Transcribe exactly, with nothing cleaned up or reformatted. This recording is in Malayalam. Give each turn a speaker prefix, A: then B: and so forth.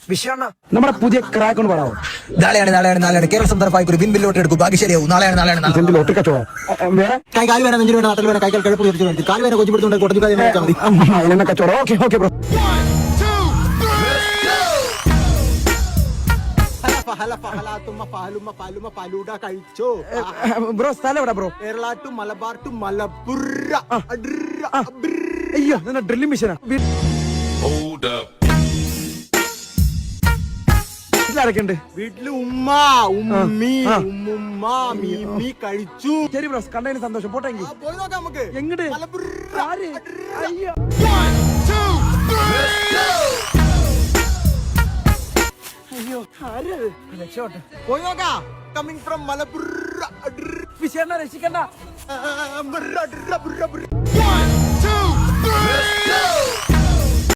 A: വിഷയണ്ണ
B: നമ്മുടെ പുതിയ ക്രാക്ക് ഒന്ന് പറയാമോ?
A: നാളെയാണ് നാളെയാണ് നാളെയാണ് കേരള സംസ്ഥാനമായി ഒരു വിൻ ലോട്ടറി എടുക്കും. ബാക്കി ശരിയാവും. നാളെയാണ് നാളെയാണ് നാളെ.
B: ഇതെന്ത് ലോട്ടറി കച്ചവടം? വേറെ
A: കൈ കാല് വേണം, നെഞ്ചിന് വേണം, നാട്ടിൽ വേണം, കൈ കഴുപ്പ് തീർച്ചു കാല് വേണം, കൊച്ചു പിടുത്തുണ്ട്, കൊടഞ്ഞു കാര്യം വെച്ചാൽ മതി.
B: അതിനെന്നെ കച്ചവടം. Okay okay bro.
A: കഴിച്ചോ
B: ബ്രോ സ്ഥലം എവിടെ bro?
A: Kerala to Malabar to Malappuram.
B: അയ്യോ നിന്നെ ഡ്രില്ലിംഗ് മെഷീനാ. വീട്ടിലാരൊക്കെയുണ്ട്?
A: വീട്ടില് ഉമ്മ ഉമ്മി ഉമ്മുമ്മ മീമി കഴിച്ചു.
B: ശരി ബ്രോ, കണ്ടതിന് സന്തോഷം. പോട്ടെങ്കിൽ
A: പോയി നോക്കാം നമുക്ക്.
B: എങ്ങട്?
A: മലപ്പുറ.
B: ആര്? അയ്യോ അയ്യോ ആരത്? രക്ഷോട്ടെ.
A: പോയി നോക്കാം. Coming from Malappuram.
B: വിഷയണ്ണ രക്ഷിക്കണ്ട.
A: One, two, three, go!